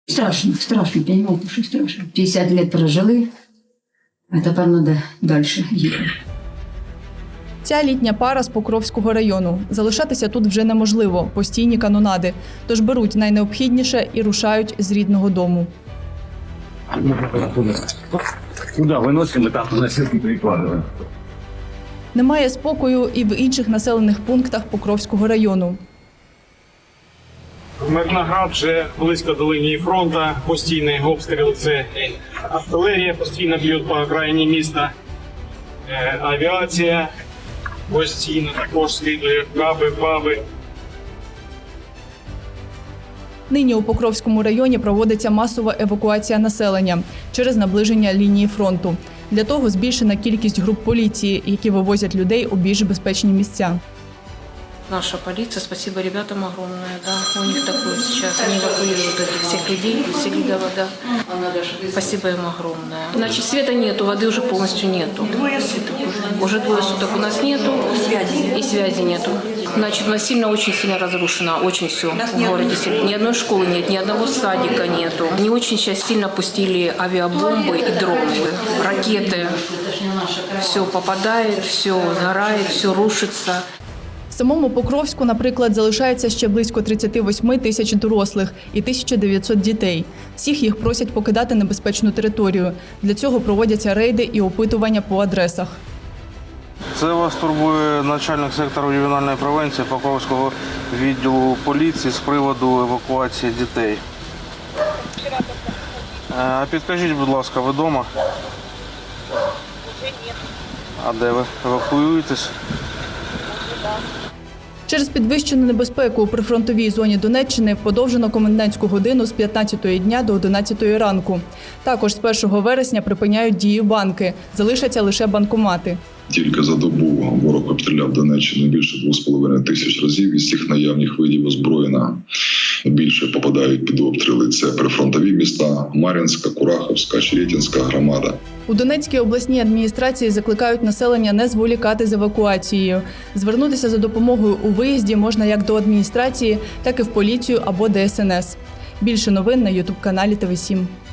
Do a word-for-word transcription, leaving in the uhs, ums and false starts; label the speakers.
Speaker 1: Страшно, страшно, понимаете, что страшно. пятьдесят лет прожили, а тепер треба далі їхати.
Speaker 2: Ця літня пара з Покровського району. Залишатися тут вже неможливо, постійні канонади. Тож беруть найнеобхідніше і рушають з рідного дому.
Speaker 3: Куди виносимо, там на сітки перекладаємо.
Speaker 2: Немає спокою і в інших населених пунктах Покровського району.
Speaker 4: Мирноград вже близько до лінії фронту, постійний обстріл, це артилерія постійно б'є по окраїні міста, е, авіація постійно також слідує, каби, баби.
Speaker 2: Нині у Покровському районі проводиться масова евакуація населення через наближення лінії фронту. Для того збільшена кількість груп поліції, які вивозять людей у більш безпечні місця.
Speaker 5: Наша полиция, спасибо ребятам огромное, да, у них такое сейчас, они эвакуируют этих всех людей из Селидова, да, спасибо им огромное. Значит, света нету, воды уже полностью нету. Двое суток уже. Уже двое суток у нас нету, и связи нету. Значит, у нас сильно, очень сильно разрушено, очень все в городе. Ни одной школы нет, ни одного садика нету. Они очень сейчас сильно пустили авиабомбы и дроны, ракеты. Все попадает, все сгорает, все рушится.
Speaker 2: В самому Покровську, наприклад, залишається ще близько тридцять вісім тисяч дорослих і тисяча дев'ятсот дітей. Всіх їх просять покидати небезпечну територію. Для цього проводяться рейди і опитування по адресах.
Speaker 6: Це вас турбує начальник сектору ювенальної превенції Покровського відділу поліції з приводу евакуації дітей. А підкажіть, будь ласка, ви вдома? А де ви евакуюєтесь?
Speaker 2: Через підвищену небезпеку у прифронтовій зоні Донеччини подовжено комендантську годину з п'ятнадцятої дня до одинадцятої ранку. Також з першого вересня припиняють дію банки, залишаться лише банкомати.
Speaker 7: Тільки за добу ворог обстріляв Донеччину більше двох з половиною тисяч разів. Із цих наявних видів озброєння більше попадають під обстріли. Це прифронтові міста Мар'їнська, Курахівська, Черетинська громада.
Speaker 2: У Донецькій обласній адміністрації закликають населення не зволікати з евакуацією. Звернутися за допомогою у виїзді можна як до адміністрації, так і в поліцію або Де Ес Ен Ес. Більше новин на ютуб-каналі Те Ве сім.